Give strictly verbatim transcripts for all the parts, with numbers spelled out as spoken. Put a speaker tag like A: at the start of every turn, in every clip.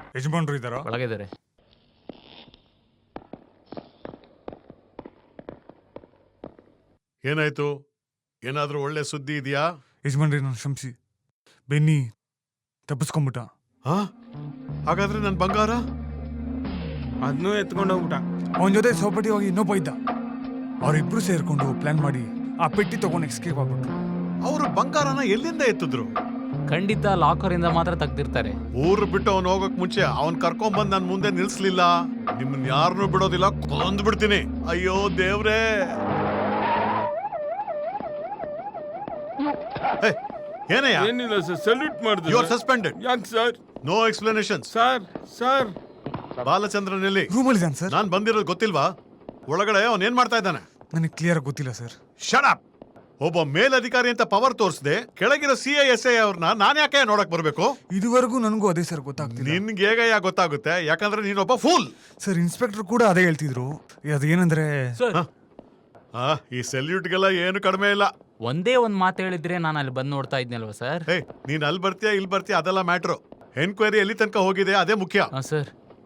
A: ಯಜಮಾನ್ರು ಇದ್ದಾರಾ?
B: ಒಳಗಿದ್ದಾರೆ.
C: ಏನಾಯ್ತು? ಏನಾದ್ರೂ ಒಳ್ಳೆ ಸುದ್ದಿ ಇದೆಯಾ?
A: ಯಜಮಾನ್ರಿ ನಾನು ಕ್ಷಮಿಸಿ, ಬೆನ್ನಿ ತಪ್ಪಿಸ್ಕೊಂಬಿಟ್ಟ.
C: ಹಾ, ಹಾಗಾದ್ರೆ ನನ್ ಬಂಗಾರ
D: ಅದನ್ನೂ ಎತ್ಕೊಂಡು ಹೋಗ್ಬಿಟ್ಟ.
A: ಅವನ ಜೊತೆ ಸೌಪಟಿ ಹೋಗಿ ಇನ್ನೊಬ್ಬ ಇದ್ದ. ಅವರಿಬ್ರು ಸೇರ್ಕೊಂಡು ಪ್ಲಾನ್ ಮಾಡಿ ಆ ಪೆಟ್ಟಿ ತಗೊಂಡು ಎಸ್ಕೇಪ್ ಆಗ್ಬಿಟ್ರು.
C: ಅವ್ರ ಬಂಗಾರನ ಎಲ್ಲಿಂದ ಎತ್ತಿದ್ರು?
B: ಖಂಡಿತ ಲಾಕರ್ ಇಂದ ಮಾತ್ರ ತೆಗ್ದಿರ್ತಾರೆ.
C: ಊರು ಬಿಟ್ಟು ಅವ್ನು ಹೋಗಕ್ ಮುಂಚೆ ಅವ್ನ್ ಕರ್ಕೊಂಡ್ ಬಂದ್ ನನ್ ಮುಂದೆ ನಿಲ್ಸ್ಲಿಲ್ಲ. ನಿಮ್ಮನ್ ಯಾರನ್ನೂ ಬಿಡೋದಿಲ್ಲ, ಕೊಂದ್ ಬಿಡ್ತೀನಿ. ಅಯ್ಯೋ ದೇವ್ರೇ! ಹೇ, ಏನಯ್ಯ?
D: ಏನಿಲ್ಲ ಸರ್, ಸಲ್ಯೂಟ್ ಮಾಡಿದ್ರು.
C: You are suspended.
D: ಯಾಕೆ sir?
C: No explanation.
D: Sir sir
C: Balachandran ಎಲ್ಲಿ?
A: ರೂಮಲ್ಲಿದ್ದಾನೆ ಸರ್.
C: ನಾನ್ ಬಂದಿರೋದು ಗೊತ್ತಿಲ್ವಾ? ಒಳಗಡೆ ಅವನ್ ಏನ್ ಮಾಡ್ತಾ ಇದ್ದಾನೆ?
A: ನನಗೆ ಕ್ಲಿಯರ್ ಗೊತ್ತಿಲ್ಲ ಸರ್.
C: Shut up! ಒಬ್ಬ ಮೇಲಧಿಕಾರಿ ಅಂತ ಪವರ್ ತೋರಿಸದೆ ಕೆಳಗಿರೋ ಸಿ ಐ ಎಸ್ ಐ ಅವ್ರನ್ನ ನಾನ್ ಯಾಕೆ ನೋಡಕ್ ಬರ್ಬೇಕು?
A: ಇದುವರೆಗೂ ನನಗೂ ಅದೇ ಸರ್ ಗೊತ್ತಾಗ್ತಿಲ್ಲ.
C: ನಿನ್ಗೆ ಹೇಗ ಯಾಕೆ ಗೊತ್ತಾಗುತ್ತೆ? ಯಾಕಂದ್ರೆ ನೀನೊಬ್ಬ ಫೂಲ್.
A: ಸರ್ ಇನ್ಸ್ಪೆಕ್ಟರ್ ಕೂಡ ಅದೇ ಹೇಳ್ತಿದ್ರು. ಅದೇನಂದ್ರೆ
C: ಆ, ಈ ಸೆಲ್ಯೂಟ್ಗೆಲ್ಲ ಏನು ಕಡಿಮೆ ಇಲ್ಲ.
B: ಒಂದೇ ಒಂದ್ ಮಾತು ಹೇಳಿದ್ರೆ ನಾನು ಅಲ್ಲಿ ಬಂದು ನೋಡ್ತಾ ಇದ್ನಲ್ವಾ ಸರ್.
C: ಹೇ, ನೀನ್ ಅಲ್ಲಿ ಬರ್ತೀಯಾ ಇಲ್ಲಿ ಬರ್ತೀಯಾ ಅದೆಲ್ಲ ಮ್ಯಾಟ್ರು. ಎನ್ಕ್ವೈರಿ ಎಲ್ಲಿ ತನಕ ಹೋಗಿದೆ ಅದೇ ಮುಖ್ಯ.
B: ಹಾ ಸರ್.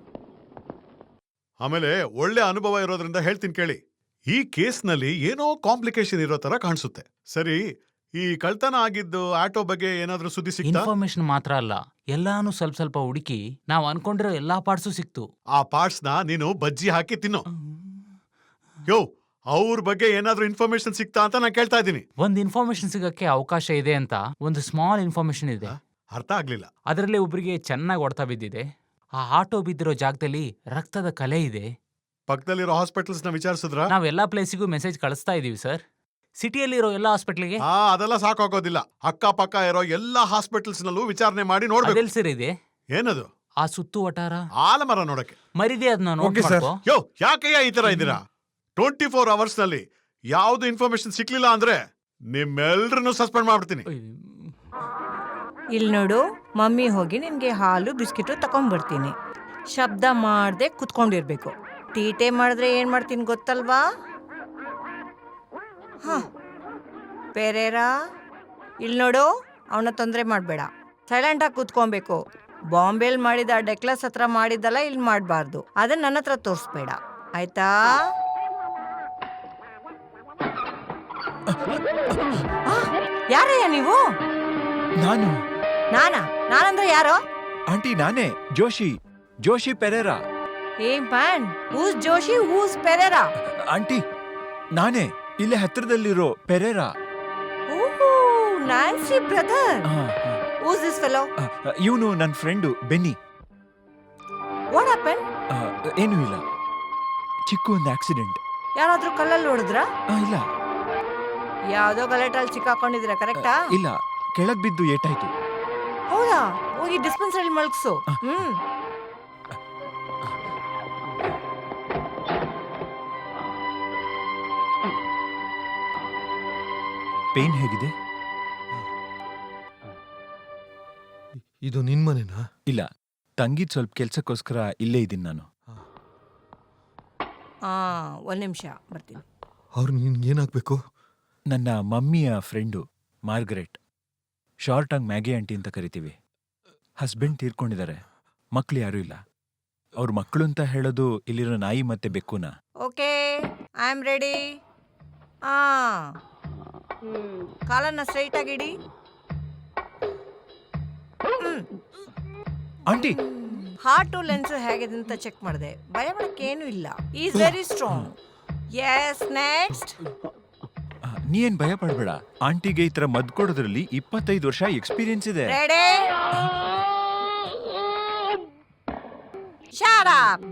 C: ಆಮೇಲೆ ಒಳ್ಳೆ ಅನುಭವ ಇರೋದ್ರಿಂದ ಹೇಳ್ತೀನಿ ಕೇಳಿ. ಈ ಕೇಸ್ನಲ್ಲಿ ಏನೋ ಕಾಂಪ್ಲಿಕೇಶನ್ ಇರೋ ತರ ಕಾಣಿಸುತ್ತೆ. ಸರಿ, ಈ ಕಳ್ತನ ಆಗಿದ್ದು ಆಟೋ ಬಗ್ಗೆ ಏನಾದ್ರೂ ಸುದ್ದಿ ಸಿಕ್ತಾ?
B: ಇನ್ಫಾರ್ಮೇಶನ್ ಮಾತ್ರ ಅಲ್ಲ, ಎಲ್ಲಾನು ಸ್ವಲ್ಪ ಸ್ವಲ್ಪ ಹುಡುಕಿ ನಾವ್ ಅನ್ಕೊಂಡಿರೋ ಎಲ್ಲಾ ಪಾರ್ಟ್ಸು ಸಿಕ್ತು.
C: ಆ ಪಾರ್ಟ್ಸ್ ನ ನೀನು ಬಜ್ಜಿ ಹಾಕಿ ತಿನ್ನು. ಯೋ, ಅವ್ರ ಬಗ್ಗೆ ಏನಾದ್ರೂ ಇನ್ಫಾರ್ಮೇಶನ್ ಸಿಕ್ತಾ ಅಂತ ನಾನು ಕೇಳ್ತಾ ಇದ್ದೀನಿ.
B: ಒಂದ್ ಇನ್ಫಾರ್ಮೇಶನ್ ಸಿಗಕ್ಕೆ ಅವಕಾಶ ಇದೆ ಅಂತ ಒಂದು ಸ್ಮಾಲ್ ಇನ್ಫಾರ್ಮೇಶನ್ ಇದೆ.
C: ಅರ್ಥ ಆಗ್ಲಿಲ್ಲ.
B: ಅದರಲ್ಲಿ ಒಬ್ರಿಗೆ ಚೆನ್ನಾಗಿ ಹೊಡೆತ ಬಿದ್ದಿದೆ. ಆ ಆಟೋ ಬಿದ್ದಿರೋ ಜಾಗದಲ್ಲಿ ರಕ್ತದ ಕಲೆ ಇದೆ.
C: ಪಕ್ಕದಲ್ಲಿರೋ ಹಾಸ್ಪಿಟಲ್ಸ್ ನ ವಿಚಾರಿಸಿದ್ರ?
B: ನಾವ್ ಎಲ್ಲಾ ಪ್ಲೇಸಿಗೂ ಮೆಸೇಜ್ ಕಳಿಸ್ತಾ ಇದೀವಿ ಸರ್. ಸಿಟಿಯಲ್ಲಿರೋ ಎಲ್ಲಾ ಹಾಸ್ಪಿಟ್ಲಿಗೆ.
C: ಹಾ, ಅದೆಲ್ಲ ಸಾಕಾಗೋದಿಲ್ಲ. ಅಕ್ಕ ಪಕ್ಕ ಇರೋ ಎಲ್ಲಾ ಹಾಸ್ಪಿಟಲ್ಸ್ ನಲ್ಲೂ ವಿಚಾರಣೆ ಮಾಡಿ ನೋಡ್ಬೇಕು.
B: ಅದೆಲ್ ಸರ್ ಇದೆ?
C: ಏನದು?
B: ಆ ಸುತ್ತು ವಟಾರ
C: ಆಲಮರ ನೋಡಕ್ಕೆ.
B: ಮರಿದೆ ಅದನ್ನ ನೋಡಿ
A: Okay, sir.
B: ಮಾಡ್ಕೋ.
C: ಯೋ, ಯಾಕಯ್ಯ ಈ ತರ ಇದ್ದೀರಾ? ಟ್ವೆಂಟಿ ಫೋರ್ ಅವರ್ಸ್ ನಲ್ಲಿ ಯಾವ್ದು ಇನ್ಫಾರ್ಮೇಶನ್ ಸಿಕ್ಲಿಲ್ಲ ಅಂದ್ರೆ ನಿಮ್ಮೆಲ್ರನ್ನು ಸಸ್ಪೆಂಡ್ ಮಾಡ್ಬಿಡ್ತೀನಿ.
E: ಇಲ್ಲಿ ನೋಡು, ಮಮ್ಮಿ ಹೋಗಿ ನಿನ್ಗೆ ಹಾಲು ಬಿಸ್ಕಿಟು ತಕೊಂಡ್ಬರ್ತೀನಿ. ಶಬ್ದ ಮಾಡ್ದೆ ಕುತ್ಕೊಂಡಿರ್ಬೇಕು. ತೀಟೆ ಮಾಡಿದ್ರೆ ಏನ್ ಮಾಡ್ತೀನಿ ಗೊತ್ತಲ್ವಾ? ಹ ಪೆರೇರಾ, ಇಲ್ಲಿ ನೋಡು, ಅವನ ತೊಂದರೆ ಮಾಡಬೇಡ. ಸೈಲೆಂಟಾಗಿ ಕೂತ್ಕೊಬೇಕು. ಬಾಂಬೆಲ್ ಮಾಡಿದ ಡೆಕ್ಲಸ್ ಹತ್ರ ಮಾಡಿದ್ದಲ್ಲ ಇಲ್ಲಿ ಮಾಡಬಾರ್ದು. ಅದನ್ನ ನನ್ನ ಹತ್ರ ತೋರಿಸ್ಬೇಡ, ಆಯ್ತಾ? ಯಾರಯ್ಯ ನೀವು?
F: ನಾನು
E: ನಾನಾ? ನಾನಂದ್ರೆ ಯಾರೋ?
F: ಆಂಟಿ, ನಾನೇ ಜೋಶಿ ಜೋಶಿ ಪೆರೇರಾ.
E: ಏ man, who's Joshi, who's Pereira?
F: Aunty, ನಾನೇ ಇಲ್ಲೇ ಹತ್ರದಲ್ಲಿರೋ ಪೆರೇರಾ.
E: ಓಹೋ, Nancy brother. Who's this fellow?
F: ಇವನು ನನ್ನ ಫ್ರೆಂಡು ಬೆನ್ನಿ.
E: What happen?
F: ಏನೂ ಇಲ್ಲ, ಚಿಕ್ಕ ಒಂದು ಆಕ್ಸಿಡೆಂಟ್.
E: ಯಾರಾದ್ರೂ ಕಲ್ಲಲ್ಲಿ ಹೊಡೆದ್ರ?
F: ಇಲ್ಲ
E: ಯಾವ್ದೋ ಗಲಾಟಲ್ಲಿ ಸಿಕ್ಕಾಕೊಂಡಿದ್ರ, ಕರೆಕ್ಟಾ?
F: ಇಲ್ಲ, ಕೆಳಗ್ ಬಿದ್ದು ಏಟಾಯ್ತು.
E: ಹೌದಾ? ಹೋಗಿ ಡಿಸ್ಪೆನ್ಸರಿ ಮಲ್ಗ್ಸು. ಹ್ಮ್
F: ಪೇನ್ ಹೇಗಿದೆ?
G: ಇದು ನಿನ್ ಮನೆನಾ?
F: ಇಲ್ಲ, ತಂಗಿದ್ ಸ್ವಲ್ಪ ಕೆಲ್ಸಕ್ಕೋಸ್ಕರ ಇಲ್ಲೇ ಇದ್ದೀನಿ ನಾನು.
E: ಹಾ, ಒಂದ್ ನಿಮಿಷ ಬರ್ತೀನಿ.
G: ಅವ್ರು ನಿನ್ಗೆ ಏನಾಗ್ಬೇಕು?
F: ನನ್ನ ಮಮ್ಮಿಯ ಫ್ರೆಂಡು ಮಾರ್ಗರೆಟ್. ಶಾರ್ಟ್ ಆಗಿ ಮ್ಯಾಗಿ ಆಂಟಿ ಅಂತ ಕರಿತೀವಿ. ಹಸ್ಬೆಂಡ್ ತೀರ್ಕೊಂಡಿದ್ದಾರೆ, ಮಕ್ಳು ಯಾರೂ ಇಲ್ಲ. ಅವ್ರ ಮಕ್ಕಳು ಅಂತ ಹೇಳೋದು ಇಲ್ಲಿರೋ ನಾಯಿ ಮತ್ತೆ ಬೆಕ್ಕುನ.
E: Okay, I am ready. ಆ ಕಾಲನ್ನ ಸ್ಟ್ರೈಟ್ ಆಗಿಡಿ.
F: ಆಂಟಿ,
E: ಹಾರ್ಟು ಲೆನ್ಸ್ ಹೇಗಿದೆ ಅಂತ ಚೆಕ್ ಮಾಡಿದೆ. ಭಯ ಪಡಕ್ಕೆ ಏನೂ ಇಲ್ಲ. Is very strong. Yes, next.
F: ನೀ ಏನ್ ಭಯ ಪಡ್ಬೇಡ. ಆಂಟಿಗೆ ಈ ತರ ಮದ್ ಕೊಡೋದ್ರಲ್ಲಿ ಇಪ್ಪತ್ತೈದು ವರ್ಷ ಎಕ್ಸ್ಪೀರಿಯನ್ಸ್ ಇದೆ.
E: Ready? Shut up.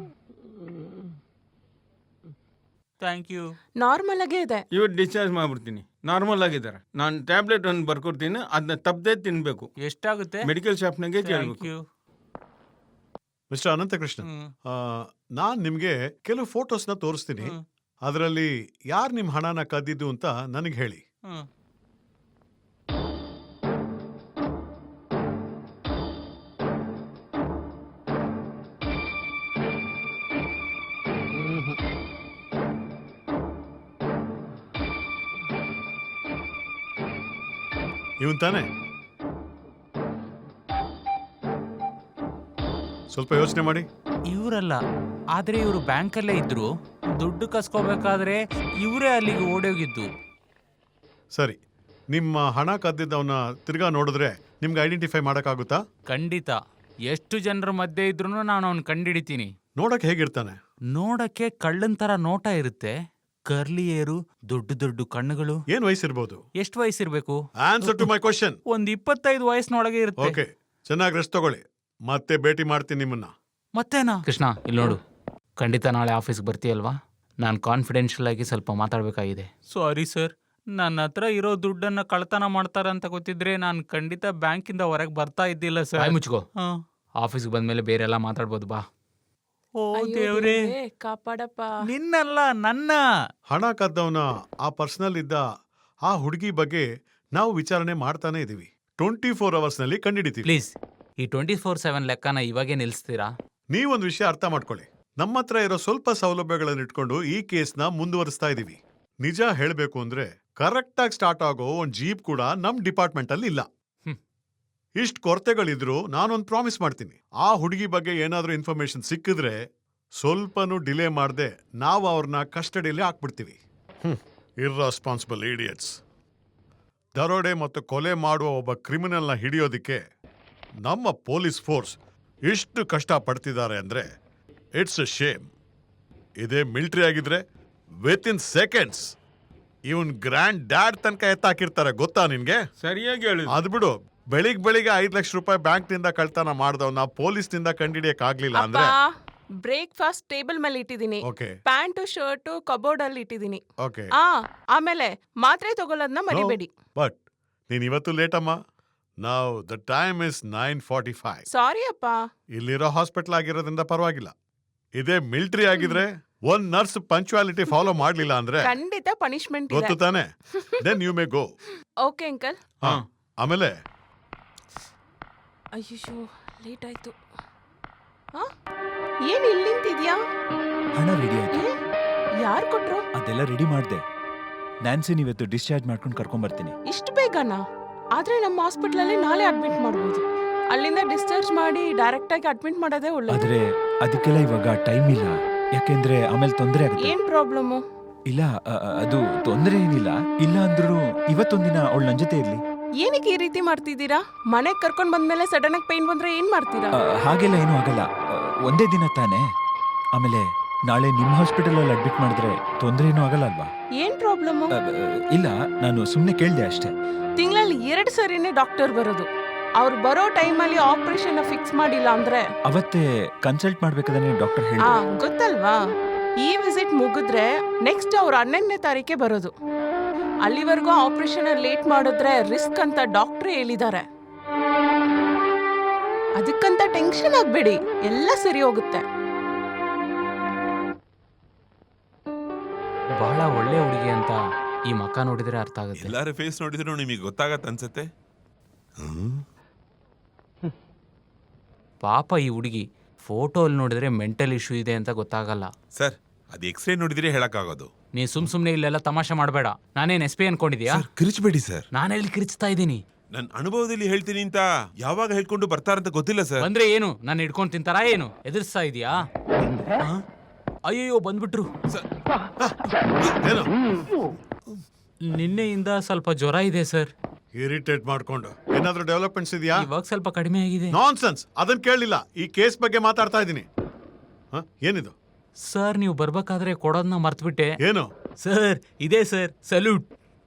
B: Thank you.
H: Normal ಆಗೇ ಇದೆ.
D: ಇವತ್ತು ಡಿಸ್ಚಾರ್ಜ್ ಮಾಡ್ಬಿಡ್ತೀನಿ. ನಾರ್ಮಲ್ ಆಗಿದ್ದಾರೆ. ನಾನು ಟ್ಯಾಬ್ಲೆಟ್ ಒಂದು ಬರ್ಕೊಡ್ತೀನಿ, ಅದನ್ನ ತಪ್ಪದೆ ತಿನ್ಬೇಕು.
B: ಎಷ್ಟಾಗುತ್ತೆ?
D: ಮೆಡಿಕಲ್ ಶಾಪ್ನಾಗೆ ಕೇಳಬೇಕು.
C: ಮಿಸ್ಟರ್ ಅನಂತಕೃಷ್ಣ, ನಾನ್ ನಿಮ್ಗೆ ಕೆಲವು ಫೋಟೋಸ್ನ ತೋರಿಸ್ತೀನಿ. ಅದರಲ್ಲಿ ಯಾರು ನಿಮ್ ಹಣನ ಕದ್ದಿದ್ದು ಅಂತ ನನಗೆ ಹೇಳಿ. ಇವನ್ ತಾನೆ? ಸ್ವಲ್ಪ ಯೋಚನೆ ಮಾಡಿ.
B: ಇವರಲ್ಲ, ಆದ್ರೆ ಇವರು ಬ್ಯಾಂಕಲ್ಲೇ ಇದ್ರು. ದುಡ್ಡು ಕಸ್ಕೋಬೇಕಾದ್ರೆ ಇವರೇ ಅಲ್ಲಿಗೆ ಓಡೋಗಿದ್ದು.
C: ಸರಿ, ನಿಮ್ಮ ಹಣ ಕದ್ದಿದ್ದವನ್ನ ತಿರ್ಗಾ ನೋಡಿದ್ರೆ ನಿಮ್ಗೆ ಐಡೆಂಟಿಫೈ ಮಾಡೋಕ್ಕಾಗುತ್ತಾ?
B: ಖಂಡಿತ. ಎಷ್ಟು ಜನರ ಮಧ್ಯೆ ಇದ್ರೂ ನಾನು ಅವ್ನು ಕಂಡಿಡಿತೀನಿ.
C: ನೋಡಕ್ ಹೇಗಿರ್ತಾನೆ?
B: ನೋಡಕ್ಕೆ ಕಳ್ಳನ್ ತರ ನೋಟ ಇರುತ್ತೆ. ಕರ್ಲಿ ಏರು, ದೊಡ್ಡ ದೊಡ್ಡ ಕಣ್ಣುಗಳು.
C: ಏನ್ ವಯಸ್ಸಿರ್ಬೋದು?
B: ಎಷ್ಟು ವಯಸ್ಸಿರ್ಬೇಕು?
C: Answer to my question.
B: ಒಂದ್ ಇಪ್ಪತ್ತೈದು ವಯಸ್ಸಿನೊಳಗೆ ಇರುತ್ತೆ.
C: ಓಕೆ, ಚೆನ್ನಾಗಿ ರೆಸ್ಟ್ ತಗೊಳ್ಳಿ. ಮತ್ತೆ ಭೇಟಿ ಮಾಡ್ತೀನಿ ನಿಮ್ಮನ್ನ.
B: ಮತ್ತೇನಾ? ಕೃಷ್ಣ, ಇಲ್ಲಿ ನೋಡು. ಖಂಡಿತ ನಾಳೆ ಆಫೀಸ್ಗೆ ಬರ್ತೀಯಲ್ವಾ? ನಾನು ಕಾನ್ಫಿಡೆನ್ಷಿಯಲ್ ಆಗಿ ಸ್ವಲ್ಪ ಮಾತಾಡಬೇಕಾಗಿದೆ. ಸಾರಿ ಸರ್, ನನ್ನ ಹತ್ರ ಇರೋ ದುಡ್ಡನ್ನ ಕಳ್ತನ ಮಾಡ್ತಾರಂತ ಗೊತ್ತಿದ್ರೆ ನಾನು ಖಂಡಿತ ಬ್ಯಾಂಕಿಂದ ಹೊರಗೆ ಬರ್ತಾ ಇದ್ದಿಲ್ಲ ಸರ್. ಬಾಯ್ ಮುಚ್ಕೋ. ಆಫೀಸ್ಗೆ ಬಂದ್ಮೇಲೆ ಬೇರೆ ಎಲ್ಲ ಮಾತಾಡ್ಬೋದು, ಬಾ. ಓ ದೇವ್ರೇ,
H: ಕಾಪಾಡಪ್ಪ.
B: ನಿನ್ನಲ್ಲ, ನನ್ನ.
C: ಹಣ ಕದ್ದವನ ಆ ಪರ್ಸನಲ್ ಇದ್ದ ಆ ಹುಡುಗಿ ಬಗ್ಗೆ ನಾವು ವಿಚಾರಣೆ ಮಾಡ್ತಾನೆ ಇದೀವಿ. ಟ್ವೆಂಟಿ ಫೋರ್ ಅವರ್ಸ್ ನಲ್ಲಿ ಕಂಡಿಡಿತೀವಿ.
B: ಪ್ಲೀಸ್, ಈ ಟ್ವೆಂಟಿ ಫೋರ್ ಸೆವೆನ್ ಲೆಕ್ಕನ ಇವಾಗೇ ನಿಲ್ಲಿಸ್ತೀರಾ?
C: ನೀವೊಂದು ವಿಷಯ ಅರ್ಥ ಮಾಡ್ಕೊಳ್ಳಿ. ನಮ್ಮ ಹತ್ರ ಇರೋ ಸ್ವಲ್ಪ ಸೌಲಭ್ಯಗಳನ್ನು ಇಟ್ಕೊಂಡು ಈ ಕೇಸ್ನ ಮುಂದುವರಿಸ್ತಾ ಇದೀವಿ. ನಿಜ ಹೇಳಬೇಕು ಅಂದ್ರೆ ಕರೆಕ್ಟ್ ಆಗಿ ಸ್ಟಾರ್ಟ್ ಆಗೋ ಒಂದ್ ಜೀಪ್ ಕೂಡ ನಮ್ ಡಿಪಾರ್ಟ್ಮೆಂಟ್ ಅಲ್ಲಿ ಇಲ್ಲ. ಇಷ್ಟ್ ಕೊರತೆಗಳಿದ್ರು ನಾನೊಂದು ಪ್ರಾಮಿಸ್ ಮಾಡ್ತೀನಿ. ಆ ಹುಡುಗಿ ಬಗ್ಗೆ ಏನಾದ್ರೂ ಇನ್ಫಾರ್ಮೇಶನ್ ಸಿಕ್ಕಿದ್ರೆ ಸ್ವಲ್ಪನೂ ಡಿಲೇ ಮಾಡದೆ ನಾವು ಅವ್ರನ್ನ ಕಸ್ಟಡಿಯಲ್ಲಿ ಹಾಕ್ಬಿಡ್ತೀವಿ. Irresponsible idiots. ದರೋಡೆ ಮತ್ತು ಕೊಲೆ ಮಾಡುವ ಒಬ್ಬ ಕ್ರಿಮಿನಲ್ನ ಹಿಡಿಯೋದಿಕ್ಕೆ ನಮ್ಮ ಪೊಲೀಸ್ ಫೋರ್ಸ್ ಇಷ್ಟು ಕಷ್ಟ ಪಡ್ತಿದ್ದಾರೆ ಅಂದ್ರೆ ಇಟ್ಸ್ ಅ ಶೇಮ್. ಇದೇ ಮಿಲಿಟರಿ ಆಗಿದ್ರೆ ವಿತ್ ಇನ್ ಸೆಕೆಂಡ್ಸ್ ಇವನ್ ಗ್ರ್ಯಾಂಡ್ ಡ್ಯಾಡ್ ತನಕ ಎತ್ತಾಕಿರ್ತಾರೆ, ಗೊತ್ತಾ ನಿನ್ಗೆ?
D: ಸರಿಯಾಗಿ ಹೇಳಿ.
C: ಅದ್ ಬಿಡು, ಬೆಳಿಗ್ ಬೆಳಿಗ್ಗೆ ಐದ್ ಲಕ್ಷ ರೂಪಾಯಿ ಬ್ಯಾಂಕ್ ನಿಂದ ಕಳ್ತನ ಮಾಡ್ದವ್ನ ಪೊಲೀಸ್ ನಿಂದ ಕಂಡಿಡಿಯಕ್ ಆಗ್ಲಿಲ್ಲ ಅಂದ್ರೆ
H: ಬ್ರೇಕ್ಫಾಸ್ಟ್ ಟೇಬಲ್ ಮೇಲೆ ಇಟ್ಟಿದ್ದೀನಿ.
C: ಓಕೆ
H: ಪ್ಯಾಂಟ್ ಶರ್ಟ್ ಕಬೋರ್ಡ್ ಅಲ್ಲಿ ಇಟ್ಟಿದ್ದೀನಿ.
C: ಓಕೆ
H: ಆ ಆಮೇಲೆ ಮಾತ್ರೆ ತಗೊಳ್ಳೋದನ್ನ ಮರಿಬೇಡಿ.
C: ಬಟ್ ನೀನ್ ಇವತ್ತು ಲೇಟ್ ಅಮ್ಮ. Now the time is nine forty five.
H: Sorry ಅಪ್ಪ.
C: ಇಲ್ಲಿರೋ ಹಾಸ್ಪಿಟಲ್ ಆಗಿರೋದ್ರಿಂದ ಪರವಾಗಿಲ್ಲ. ಇದೇ ಮಿಲಿಟರಿ ಆಗಿದ್ರೆ ಒಂದ್ ನರ್ಸ್ ಪಂಕ್ಚುಯಾಲಿಟಿ ಫಾಲೋ ಮಾಡ್ಲಿಲ್ಲ ಅಂದ್ರೆ
H: ಖಂಡಿತ ಪನಿಷ್ಮೆಂಟ್ ಇದೆ.
C: ಗೊತ್ತು ತಾನೆ? Then you may go.
H: Okay uncle.
C: ಆಮೇಲೆ
H: ಅಯ್ಯೋ ಲೇಟ್ ಆಯ್ತು. ಆ? ಏನ್ ಇಲ್ಲಿ ನಿಂತಿದ್ಯಾ?
F: ಹಣ ರೆಡಿ ಆಯ್ತು.
H: ಯಾರು ಕೊಟ್ರು?
F: ಅದೆಲ್ಲ ರೆಡಿ ಮಾಡ್ದೆ. ನ್ಯಾನ್ಸಿನ್ ಇವತ್ತು ಡಿಸ್ಚಾರ್ಜ್ ಮಾಡ್ಕೊಂಡು ಕರ್ಕೊಂಡ್ ಬರ್ತೀನಿ.
H: ಇಷ್ಟು ಬೇಗನಾ? ಆದ್ರೆ ನಮ್ಮ ಹಾಸ್ಪಿಟಲ್ ಅಲ್ಲಿ ನಾಳೆ ಅಡ್ಮಿಟ್ ಮಾಡ್ಬೋದು. ಅಲ್ಲಿಂದ ಡಿಸ್ಚಾರ್ಜ್ ಮಾಡಿ ಡೈರೆಕ್ಟ್ ಆಗಿ ಅಡ್ಮಿಟ್ ಮಾಡೋದೇ ಒಳ್ಳೆಯದು.
F: ಆದ್ರೆ ಅದಕ್ಕೆಲ್ಲ ಇವಾಗ ಟೈಮ್ ಇಲ್ಲ, ಯಾಕೆಂದ್ರೆ ಆಮೇಲೆ ತೊಂದರೆ ಆಗುತ್ತೆ.
H: ಏನ್ ಪ್ರಾಬ್ಲಮ್?
F: ಇಲ್ಲ, ಅ- ಅ- ಅದು ತೊಂದರೆ ಏನಿಲ್ಲ. ಇಲ್ಲ ಅಂದ್ರೂ ಇವತ್ತೊಂದಿನ ಅವಳು ನನ್ ಜೊತೆ ಇರ್ಲಿ.
H: ಏನಕ್ಕೆ ಈ ರೀತಿ ಮಾಡ್ತಿದ್ದೀರಾ? ಮನೆಗ್ ಕರ್ಕೊಂಡ್ ಬಂದ್ಮೇಲೆ ಸಡನ್ ಆಗಿ ಪೈನ್ ಬಂದ್ರೆ ಏನ್ ಮಾಡ್ತೀರಾ?
F: ಅ, ಹಾಗೆಲ್ಲ ಏನೂ ಆಗಲ್ಲ. ಅ, ಒಂದೇ ದಿನ ತಾನೇ. ಆಮೇಲೆ ನಾಳೆ ನಿಮ್ಮ ಹಾಸ್ಪಿಟಲ್ ಅಲ್ಲಿ ಅಡ್ಮಿಟ್ ಮಾಡಿದ್ರೆ ತೊಂದರೆ ಏನೂ ಆಗಲ್ಲ ಅಲ್ವಾ?
H: ಏನ್ ಪ್ರಾಬ್ಲಮ್?
F: ಅ, ಅ, ಇಲ್ಲ, ನಾನು ಸುಮ್ಮನೆ ಕೇಳ್ದೆ ಅಷ್ಟೇ.
H: ತಿಂಗಳಲ್ಲಿ ಎರಡ್ ಸರಿನೇ ಡಾಕ್ಟರ್ ಬರೋದು. ಅವ್ರು ಬರೋ ಟೈಮಲ್ಲಿ ಆಪರೇಷನ್ ಫಿಕ್ಸ್ ಮಾಡಿಲ್ಲ ಅಂದ್ರೆ
F: ಅವತ್ತೇ ಕನ್ಸಲ್ಟ್ ಮಾಡ್ಬೇಕಾದ್ರೆ ಡಾಕ್ಟರ್
H: ಆ
F: ಹೇಳಿದ್ರು.
H: ಗೊತ್ತಲ್ವಾ? ಈ ವಿಸಿಟ್ ಮುಗಿದ್ರೆ ನೆಕ್ಸ್ಟ್ ಅವ್ರು ಹನ್ನೊಂದನೇ ತಾರೀಕೆ ಬರೋದು. ಅಲ್ಲಿವರೆಗೂ ಆಪರೇಷನ್ ಲೇಟ್ ಮಾಡಿದ್ರೆ ರಿಸ್ಕ್ ಅಂತ ಡಾಕ್ಟ್ರೇ ಹೇಳಿದ್ದಾರೆ. ಅದಕ್ಕಂತ ಟೆನ್ಷನ್ ಆಗ್ಬೇಡಿ, ಎಲ್ಲ ಸರಿ ಹೋಗುತ್ತೆ.
B: ಬಹಳ ಒಳ್ಳೆ ಹುಡುಗಿ ಅಂತ ಈ ಮಕ್ಕ ನೋಡಿದ್ರೆ ಅರ್ಥ ಆಗುತ್ತೆ.
I: ಎಲ್ಲಾರ ಫೇಸ್ ನೋಡಿದ್ರು ನಿಮಗೆ ಗೊತ್ತಾಗತ್ತೆ ಅನ್ಸುತ್ತೆ.
B: ಪಾಪ ಈ ಹುಡುಗಿ ಫೋಟೋ ಅಲ್ಲಿ ನೋಡಿದ್ರೆ ಮೆಂಟಲ್ ಇಶ್ಯೂ ಇದೆ ಅಂತ ಗೊತ್ತಾಗಲ್ಲ.
I: ಸರ್, ಅದು ಎಕ್ಸ್ರೇ ನೋಡಿದ್ರೆ ಹೇಳಕ್ಕಾಗೋದು.
B: ನೀ ಸುಮ್ ಸುಮ್ನೆ ಇಲ್ಲೆಲ್ಲ ತಮಾಷೆ ಮಾಡಬೇಡ. ನಾನೇನ್ ಎಸ್ ಪಿ ಅನ್ಕೊಂಡಿದ್ಯಾ?
I: ಕಿರಿಚಬೇಡಿ ಸರ್.
B: ನಾನೆಲ್ಲಿ ಕಿರಿಚ್ತಾ ಇದ್ದೀನಿ?
I: ನನ್ನ ಅನುಭವದಲ್ಲಿ ಹೇಳ್ತೀನಿ ಅಂತ ಯಾವಾಗ ಹೇಳ್ಕೊಂಡು ಬರ್ತಾರಂತ ಗೊತ್ತಿಲ್ಲ ಸರ್.
B: ಬಂದ್ರೆ ಏನು, ನಾನು ಹಿಡ್ಕೊಂಡು ತಿಂತಾರ ಏನು? ಎದುರಿಸ್ತಾ ಇದೀಯಾ? ಆ? ಅಯ್ಯಯ್ಯೋ, ಬಂದ್ಬಿಟ್ರು.
C: ಏನು
B: ನಿನ್ನೆಯಿಂದ ಸ್ವಲ್ಪ ಜ್ವರ ಇದೆ ಸರ್.
C: ಇರಿಟೇಟ್ ಮಾಡ್ಕೊಂಡು ಏನಾದ್ರೂ ಡೆವಲಪ್ಮೆಂಟ್ಸ್ ಇದೆಯಾ?
B: ಇವಾಗ ಸ್ವಲ್ಪ ಕಡಿಮೆ ಆಗಿದೆ.
C: ನಾನ್ಸೆನ್ಸ್, ಅದನ್ನ ಕೇಳಲಿಲ್ಲ. ಈ ಕೇಸ್ ಬಗ್ಗೆ ಮಾತಾಡ್ತಾ ಇದ್ದೀನಿ. ಏನಿದು
B: ಸರ್, ನೀವು ಬರ್ಬೇಕಾದ್ರೆ ಕೊಡೋದನ್ನ ಮರ್ತ್ಬಿಟ್ಟೆ.
C: ಏನು?
B: ಸರ್, ಇದೆ ಸರ್, ಸಲ್ಯೂಟ್.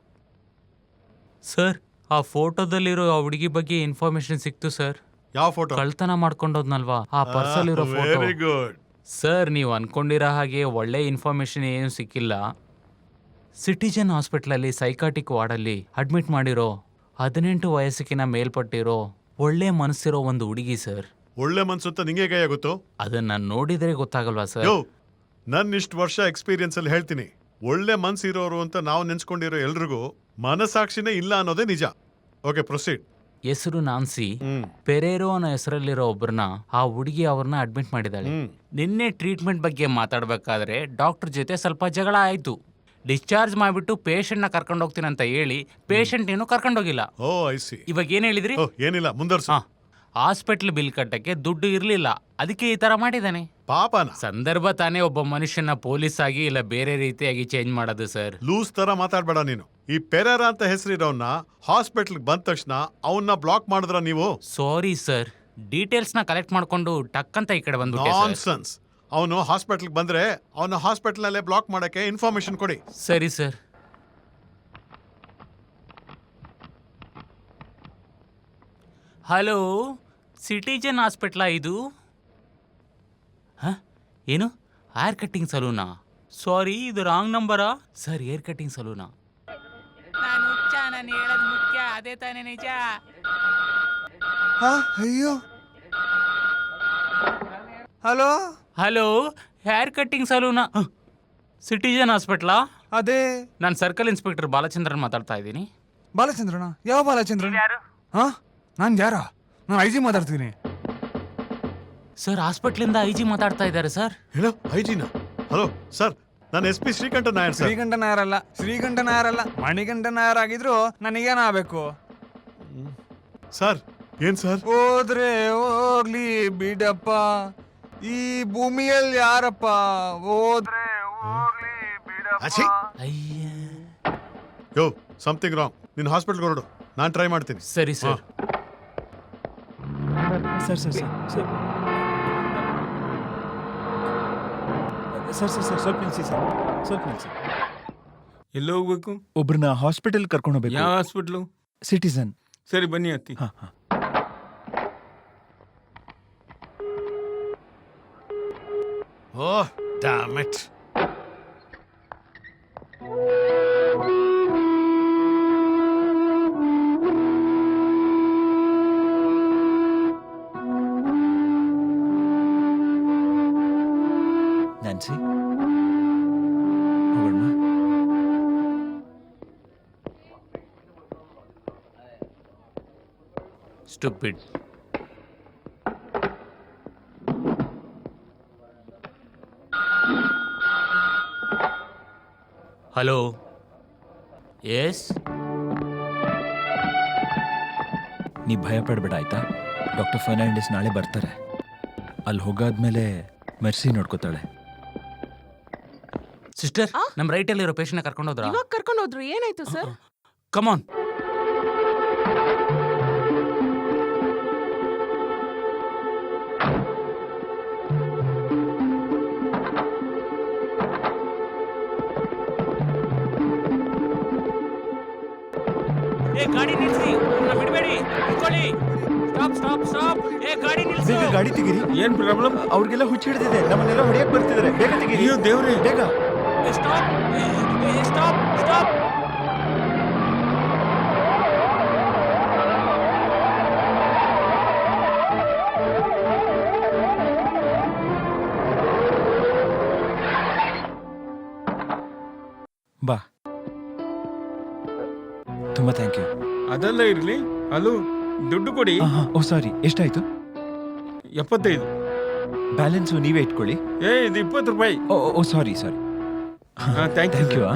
B: ಸರ್, ಆ ಫೋಟೋದಲ್ಲಿರೋ ಆ ಹುಡುಗಿ ಬಗ್ಗೆ ಇನ್ಫಾರ್ಮೇಶನ್ ಸಿಕ್ತು ಸರ್.
C: ಯಾವ ಫೋಟೋ?
B: ಕಳ್ತನ ಮಾಡ್ಕೊಂಡೋದ್ನಲ್ವಾ, ಆ ಪರ್ಸಲ್ಲಿರೋ ಫೋಟೋ.
C: ವೆರಿ ಗುಡ್
B: ಸರ್, ನೀವು ಅನ್ಕೊಂಡಿರೋ ಹಾಗೆ ಒಳ್ಳೆ ಇನ್ಫಾರ್ಮೇಶನ್ ಏನು ಸಿಕ್ಕಿಲ್ಲ. ಸಿಟಿಜನ್ ಹಾಸ್ಪಿಟ್ಲಲ್ಲಿ ಸೈಕಾಟಿಕ್ ವಾರ್ಡಲ್ಲಿ ಅಡ್ಮಿಟ್ ಮಾಡಿರೋ ಹದಿನೆಂಟು ವಯಸ್ಸಿನ ಮೇಲ್ಪಟ್ಟಿರೋ ಒಳ್ಳೆ ಮನಸ್ಸಿರೋ ಒಂದು ಹುಡುಗಿ ಸರ್.
C: ಒಳ್ಳೆ ಮನ್ಸು ಅಂತ ನಿಂಗೆ ಕೈ ಆಗುತ್ತೋ?
B: ಅದನ್ನ ನೋಡಿದ್ರೆ ಗೊತ್ತಾಗಲ್ವಾ ಸರ್?
C: ಯೋ, ನನ್ನ ಇಷ್ಟು ವರ್ಷ ಎಕ್ಸ್ಪೀರಿಯನ್ಸ್ ಅಲ್ಲಿ ಹೇಳ್ತೀನಿ, ಒಳ್ಳೆ ಮನ್ಸು ಇರೋರು ಅಂತ ನಾವು ನೆನ್ಸ್ಕೊಂಡಿರೋ ಎಲ್ರಿಗೂ ಮನಸಾಕ್ಷಿನೇ ಇಲ್ಲ ಅನ್ನೋದೇ ನಿಜ. Okay, proceed.
B: ಹೆಸರು ನಾನ್ಸಿ.
C: ಹ್ಮ್
B: ಪೆರೇರೋ ಅನ್ನೋ ಹೆಸರಲ್ಲಿರೋ ಒಬ್ಬರನ್ನ ಆ ಹುಡುಗಿ ಅವ್ರನ್ನ ಅಡ್ಮಿಟ್ ಮಾಡಿದಾಳೆ.
C: ಹ್ಮ್
B: ನಿನ್ನೆ ಟ್ರೀಟ್ಮೆಂಟ್ ಬಗ್ಗೆ ಮಾತಾಡ್ಬೇಕಾದ್ರೆ ಡಾಕ್ಟರ್ ಜೊತೆ ಸ್ವಲ್ಪ ಜಗಳ ಆಯ್ತು. ಡಿಸ್ಚಾರ್ಜ್ ಮಾಡಿಬಿಟ್ಟು ಪೇಷಂಟ್ನ ಕರ್ಕೊಂಡು ಹೋಗ್ತೀನಿ ಅಂತ ಹೇಳಿ ಪೇಷಂಟ್ ಏನು ಕರ್ಕೊಂಡೋಗಿಲ್ಲ.
C: ಓ ಐ ಸಿ.
B: ಇವಾಗ ಏನ್ ಹೇಳಿದ್ರಿ?
C: ಓ ಏನಿಲ್ಲ, ಮುಂದರ್ಸು.
B: ಹಾ, ಹಾಸ್ಪಿಟ್ಲ್ ಬಿಲ್ ಕಟ್ಟಕ್ಕೆ ದುಡ್ಡು ಇರ್ಲಿಲ್ಲ, ಅದಕ್ಕೆ ಈ ತರ ಮಾಡಿದಾನೆ.
C: ಪಾಪನ
B: ಸಂದರ್ಭ ತಾನೇ ಒಬ್ಬ ಮನುಷ್ಯನ ಪೊಲೀಸ್ ಆಗಿ ಇಲ್ಲ ಬೇರೆ ರೀತಿಯಾಗಿ ಚೇಂಜ್ ಮಾಡೋದು ಸರ್.
C: ಲೂಸ್ ತರ ಮಾತಾಡ್ಬೇಡ ನೀನು. ಈ ಪೆರೇರ ಅಂತ ಹೆಸರಿರೋನ್ನ ಹಾಸ್ಪಿಟಲ್ ಬಂದ ತಕ್ಷಣ ಅವನ್ನ ಬ್ಲಾಕ್ ಮಾಡಿದ್ರ ನೀವು?
B: ಸಾರಿ ಸರ್, ಡೀಟೇಲ್ಸ್ ನ ಕಲೆಕ್ಟ್ ಮಾಡ್ಕೊಂಡು ಟಕ್ ಅಂತ ಈ ಕಡೆ ಬಂದ್ಬಿಟ್ಟೆ ಸರ್.
C: ನಾನ್ಸೆನ್ಸ್. ಅವನು ಹಾಸ್ಪಿಟಲ್ ಬಂದ್ರೆ ಅವನ ಹಾಸ್ಪಿಟಲ್ ನಲ್ಲೇ ಬ್ಲಾಕ್ ಮಾಡಕ್ಕೆ ಇನ್ಫಾರ್ಮೇಶನ್ ಕೊಡಿ.
B: ಸರಿ ಸರ್. ಹಲೋ, ಸಿಟಿಜನ್ ಹಾಸ್ಪಿಟ್ಲಾ ಇದು? ಹ ಏನು ಹೇರ್ ಕಟ್ಟಿಂಗ್ ಸಲೂನಾ? ಸಾರಿ, ಇದು ರಾಂಗ್ ನಂಬರಾ ಸರ್. ಹೇರ್ ಕಟ್ಟಿಂಗ್ ಸಲೂನಾ? ನಾನು ಹುಚ್ಚ, ನಾನು ಹೇಳೋದು ಮುಖ್ಯ, ಅದೇ ತಾನೇ ನಿಜ.
A: ಅಯ್ಯೋ ಹಲೋ
B: ಹಲೋ, ಹೇರ್ ಕಟ್ಟಿಂಗ್ ಸಲೂನಾ? ಸಿಟಿಜನ್ ಹಾಸ್ಪಿಟ್ಲಾ?
A: ಅದೇ
B: ನಾನು ಸರ್ಕಲ್ ಇನ್ಸ್ಪೆಕ್ಟರ್ ಬಾಲಚಂದ್ರನ್ ಮಾತಾಡ್ತಾ ಇದ್ದೀನಿ.
A: ಬಾಲಚಂದ್ರನ? ಯಾವ ಬಾಲಚಂದ್ರನ್? ಹಾ ನಾನು ಯಾರ? ನಾನು ಐ ಜಿ ಮಾತಾಡ್ತೀನಿ
B: ಸರ್. ಹಾಸ್ಪಿಟ್ಲಿಂದ ಐ ಜಿ ಮಾತಾಡ್ತಾ ಇದ್ದಾರೆ ಸರ್.
C: ಹೇಳೋ ಐಜಿನ. ಹಲೋ ಸರ್, ನಾನು S P Srikanta Nair sir.
A: ಶ್ರೀಕಂಠ ನಾಯರಲ್ಲ, ಶ್ರೀಕಂಠ ನಾಯರಲ್ಲ, ಮಣಿಕಂಠ ನಾಯರ್ ಆಗಿದ್ರು ನನಗೇನಾಗಬೇಕು
C: ಸರ್? ಏನ್ ಸರ್?
A: ಹೋದ್ರೆ ಹೋಗ್ಲಿ ಬಿಡಪ್ಪ, ಈ ಭೂಮಿಯಲ್ಲಿ ಯಾರಪ್ಪ ಹೋದ್ರೆ ಹೋಗ್ಲಿ
C: ಅಚ್ಚಿ.
A: ಬಿಡಪ್ಪ.
B: ಅಯ್ಯ.
C: Yo, something wrong. ನಿನ್ನ ಹಾಸ್ಪಿಟಲ್ಗೆ ಹೊರಡು, ನಾನು ಟ್ರೈ ಮಾಡ್ತೀನಿ.
B: ಸರಿ sir.
F: Sir sir sir sir sir sir sir ಸ್ವಲ್ಪ ನಿಲ್ಸಿ ಸರ್, ಸ್ವಲ್ಪ ನಿಲ್ಸಿ.
D: ಎಲ್ಲಿ ಹೋಗ್ಬೇಕು?
F: ಒಬ್ರನ್ನ ಹಾಸ್ಪಿಟಲ್ ಕರ್ಕೊಂಡು ಹೋಗ್ಬೇಕು.
D: ಯಾವ ಹಾಸ್ಪಿಟ್ಲು?
F: ಸಿಟಿಸನ್.
D: ಸರಿ ಬನ್ನಿ ಅತ್ತಿ.
F: ಹಾ ಹಾ.
C: Oh damn it.
F: ನ್ಯಾನ್ಸಿ, ಹೋಗೋಣ.
B: ಸ್ಟುಪಿಡ್. Hello, yes.
F: ನೀ ಭಯ ಪಡಬೇಡ ಆಯ್ತಾ? ಡಾಕ್ಟರ್ ಫರ್ನಾಂಡಿಸ್ ನಾಳೆ ಬರ್ತಾರೆ. ಅಲ್ಲಿ ಹೋಗಾದ್ಮೇಲೆ ಮೆರ್ಸಿ ನೋಡ್ಕೋತಾಳೆ.
B: ಸಿಸ್ಟರ್, ನಮ್ಮ ರೈಟಲ್ಲಿರೋ ಪೇಷಂಟ್ನ ಕರ್ಕೊಂಡು ಹೋದ್ರಾ?
H: ಇವಾಗ ಕರ್ಕೊಂಡು ಹೋದ್ರು. ಏನಾಯ್ತು ಸರ್?
B: ಕಮಾನ್. ಏ ಗಾಡಿ ನಿಲ್ಸಿ, ಅವ್ರನ್ನ ಬಿಡಬೇಡಿ, ನಿಂತ್ಕೊಳ್ಳಿ. Stop stop stop. ಏ ಗಾಡಿ ನಿಲ್ಸಿ.
F: ಬೇಗ ಗಾಡಿ ತೆಗೀರಿ.
D: ಏನ್ ಪ್ರಾಬ್ಲಮ್?
F: ಅವ್ರಿಗೆಲ್ಲ ಹುಚ್ಚ ಹಿಡಿದಿದೆ, ನಮ್ಮನ್ನೆಲ್ಲ ಹೊಡೆಯಕ್ ಬರ್ತಿದ್ದಾರೆ. ಬೇಗ ತೆಗೀರಿ.
D: ಅಯ್ಯೋ ದೇವ್ರೆ.
F: ಬೇಗ.
B: Stop stop stop.
F: ಬಾ. ತುಂಬಾ ಥ್ಯಾಂಕ್ ಯು.
D: ಅದೆಲ್ಲ ಇರ್ಲಿ, ಅಲ್ಲೂ ದುಡ್ಡು ಕೊಡಿ.
F: ಓ ಸಾರಿ, ಎಷ್ಟಾಯ್ತು?
D: ಎಪ್ಪತ್ತೈದು.
F: ಬ್ಯಾಲೆನ್ಸು ನೀವೇ ಇಟ್ಕೊಳ್ಳಿ.
D: ಏ ಇದು ಇಪ್ಪತ್ತು ರೂಪಾಯಿ.
F: ಓ ಓ sorry sorry.
D: Thank
F: thank you.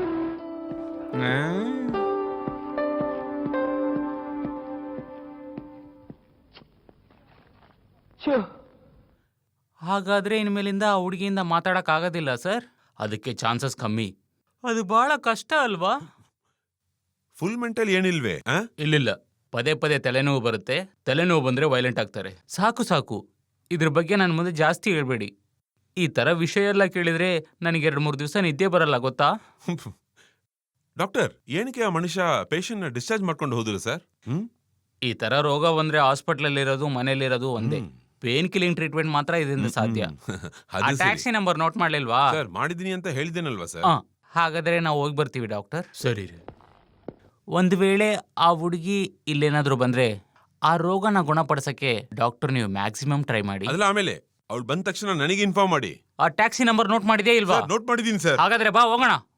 B: ಹಾಗಾದ್ರೆ ಇನ್ಮೇಲಿಂದ ಆ ಹುಡುಗಿಯಿಂದ ಮಾತಾಡಕ್ ಆಗೋದಿಲ್ಲ ಸರ್? ಅದಕ್ಕೆ ಚಾನ್ಸಸ್ ಕಮ್ಮಿ. ಅದು ಬಹಳ ಕಷ್ಟ ಅಲ್ವಾ?
I: ಫುಲ್ ಮೆಂಟಲ್ ಏನಿಲ್ವೇ? ಆ?
B: ಇಲ್ಲಿಲ್ಲ, ಪದೇ ಪದೇ ತಲೆನೋವು ಬರುತ್ತೆ. ತಲೆನೋವು ಬಂದ್ರೆ ವೈಲೆಂಟ್ ಆಗ್ತಾರೆ. ಸಾಕು ಸಾಕು, ಇದ್ರ ಬಗ್ಗೆ ನನ್ನ ಮುಂದೆ ಜಾಸ್ತಿ ಹೇಳ್ಬೇಡಿ. ಈ ತರ ವಿಷಯ ಎಲ್ಲ ಕೇಳಿದ್ರೆ ನನಗೆ ಎರಡು ಮೂರು ದಿವಸ ನಿದ್ದೆ ಬರಲ್ಲ, ಗೊತ್ತಾ?
I: ಡಾಕ್ಟರ್, ಏನಕ್ಕೆ ಆ ಮನುಷ್ಯ ಪೇಷಂಟ್ ನ ಡಿಸ್ಚಾರ್ಜ್ ಮಾಡ್ಕೊಂಡು ಹೋದ್ರು ಸರ್? ಹ್ಮ್
B: ಈ ತರ ರೋಗ ಬಂದ್ರೆ ಹಾಸ್ಪಿಟಲ್ ಇರೋದು ಮನೇಲಿರೋದು ಒಂದೇ. ಪೇನ್ ಕಿಲಿಂಗ್ ಟ್ರೀಟ್ಮೆಂಟ್ ಮಾತ್ರ ಇದರಿಂದ ಸಾಧ್ಯ.
I: ಅದು
B: ಟ್ಯಾಕ್ಸಿ ನಂಬರ್ ನೋಟ್ ಮಾಡ್ಲಿಲ್ವಾ
I: ಸರ್? ಮಾಡಿದೀನಿ ಅಂತ ಹೇಳಿದ್ದೇನಲ್ವಾ ಸರ್?
B: ಹಾ, ಹಾಗಾದ್ರೆ ನಾವು ಹೋಗಿ ಬರ್ತೀವಿ ಡಾಕ್ಟರ್. ಸರಿ. ಒಂದು ವೇಳೆ ಆ ಹುಡುಗಿ ಇಲ್ಲೇನಾದ್ರೂ ಬಂದ್ರೆ ಆ ರೋಗನ ಗುಣಪಡಿಸಕ್ಕೆ ಡಾಕ್ಟರ್ ನೀವು ಮ್ಯಾಕ್ಸಿಮಮ್ ಟ್ರೈ ಮಾಡಿ.
I: ಅದಲ್ಲ, ಆಮೇಲೆ ಅವಳು ಬಂದ ತಕ್ಷಣ ನನಗೆ ಇನ್ಫಾರ್ಮ್ ಮಾಡಿ.
B: ಆ ಟ್ಯಾಕ್ಸಿ ನಂಬರ್ ನೋಟ್ ಮಾಡಿದೇ ಇಲ್ವಾ?
I: ನೋಟ್ ಮಾಡಿದೀನಿ ಸರ್.
B: ಹಾಗಾದ್ರೆ ಬಾ ಹೋಗೋಣ.